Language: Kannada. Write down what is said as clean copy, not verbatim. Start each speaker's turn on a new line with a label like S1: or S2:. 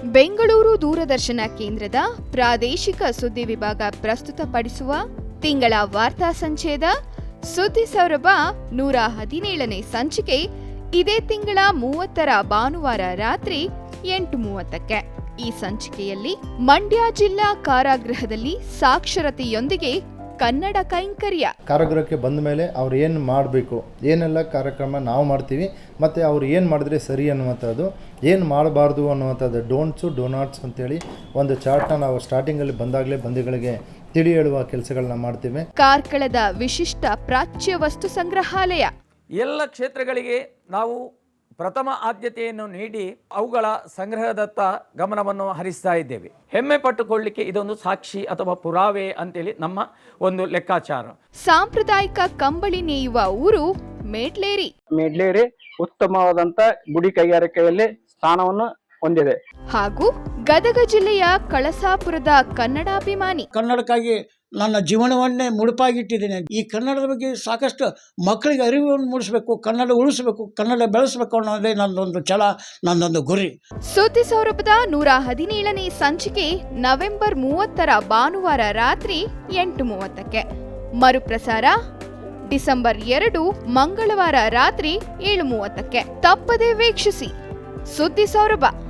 S1: ಬೆಂಗಳೂರು ದೂರದರ್ಶನ ಕೇಂದ್ರದ ಪ್ರಾದೇಶಿಕ ಸುದ್ದಿ ವಿಭಾಗ ಪ್ರಸ್ತುತಪಡಿಸುವ ತಿಂಗಳ ವಾರ್ತಾ ಸಂಚೇದ ಸುದ್ದಿ ಸೌರಭ 117ನೇ ಸಂಚಿಕೆ ಇದೇ ತಿಂಗಳ 30ರ ಭಾನುವಾರ ರಾತ್ರಿ 8:30ಕ್ಕೆ. ಈ ಸಂಚಿಕೆಯಲ್ಲಿ ಮಂಡ್ಯ ಜಿಲ್ಲಾ ಕಾರಾಗೃಹದಲ್ಲಿ ಸಾಕ್ಷರತೆಯೊಂದಿಗೆ ಕನ್ನಡ ಕೈಂಕರ್ಯ.
S2: ಕಾರಾಗೃಹಕ್ಕೆ ಬಂದ ಮೇಲೆ ಅವ್ರು ಏನು ಮಾಡಬೇಕು, ಏನೆಲ್ಲ ಕಾರ್ಯಕ್ರಮ ನಾವು ಮಾಡ್ತೀವಿ ಮತ್ತು ಅವ್ರು ಏನು ಮಾಡಿದ್ರೆ ಸರಿ ಅನ್ನುವಂಥದ್ದು, ಏನು ಮಾಡಬಾರ್ದು ಅನ್ನುವಂಥದ್ದು, ಡೋಂಟ್ಸು ಡೋನಾಟ್ಸ್ ಅಂತೇಳಿ ಒಂದು ಚಾರ್ಟ್ನ ನಾವು ಸ್ಟಾರ್ಟಿಂಗಲ್ಲಿ ಬಂದಾಗಲೇ ಬಂದಿಗಳಿಗೆ ತಿಳಿ ಹೇಳುವ ಕೆಲಸಗಳನ್ನ ಮಾಡ್ತೀವಿ.
S1: ಕಾರ್ಕಳದ ವಿಶಿಷ್ಟ ಪ್ರಾಚ್ಯ ವಸ್ತು ಸಂಗ್ರಹಾಲಯ.
S3: ಎಲ್ಲ ಕ್ಷೇತ್ರಗಳಿಗೆ ನಾವು ಪ್ರಥಮ ಆದ್ಯತೆಯನ್ನು ನೀಡಿ ಅವುಗಳ ಸಂಗ್ರಹದತ್ತ ಗಮನವನ್ನು ಹರಿಸ್ತಾ ಇದ್ದೇವೆ. ಹೆಮ್ಮೆ ಪಟ್ಟುಕೊಳ್ಳಲಿಕ್ಕೆ ಇದೊಂದು ಸಾಕ್ಷಿ ಅಥವಾ ಪುರಾವೆ ಅಂತೇಳಿ ನಮ್ಮ ಒಂದು ಲೆಕ್ಕಾಚಾರ.
S1: ಸಾಂಪ್ರದಾಯಿಕ ಕಂಬಳಿ ನೇಯುವ ಊರು ಮೇಡ್ಲೇರಿ.
S4: ಮೇಡ್ಲೇರಿ ಉತ್ತಮವಾದಂತ ಗುಡಿ ಕೈಗಾರಿಕೆಯಲ್ಲಿ ಸ್ಥಾನವನ್ನು ಹೊಂದಿದೆ.
S1: ಹಾಗೂ ಗದಗ ಜಿಲ್ಲೆಯ ಕಳಸಾಪುರದ ಕನ್ನಡಾಭಿಮಾನಿ.
S5: ಕನ್ನಡಕ್ಕಾಗಿ ನನ್ನ ಜೀವನವನ್ನೇ ಮುಡುಪಾಗಿಟ್ಟಿದ್ದೇನೆ. ಈ ಕನ್ನಡದ ಬಗ್ಗೆ ಸಾಕಷ್ಟು ಮಕ್ಕಳಿಗೆ ಅರಿವನ್ನು ಮೂಡಿಸಬೇಕು, ಕನ್ನಡ ಉಳಿಸಬೇಕು, ಕನ್ನಡ ಬೆಳೆಸಬೇಕು ಅನ್ನೋದೇ ನನ್ನೊಂದು ಛಲ, ನನ್ನೊಂದು ಗುರಿ.
S1: ಸುದ್ದಿ ಸೌರಭದ 117ನೇ ಸಂಚಿಕೆ ನವೆಂಬರ್ 30ರ ಭಾನುವಾರ ರಾತ್ರಿ 8:30ಕ್ಕೆ. ಮರುಪ್ರಸಾರ ಡಿಸೆಂಬರ್ 2 ಮಂಗಳವಾರ ರಾತ್ರಿ 7:30ಕ್ಕೆ. ತಪ್ಪದೇ ವೀಕ್ಷಿಸಿ ಸುದ್ದಿ ಸೌರಭ.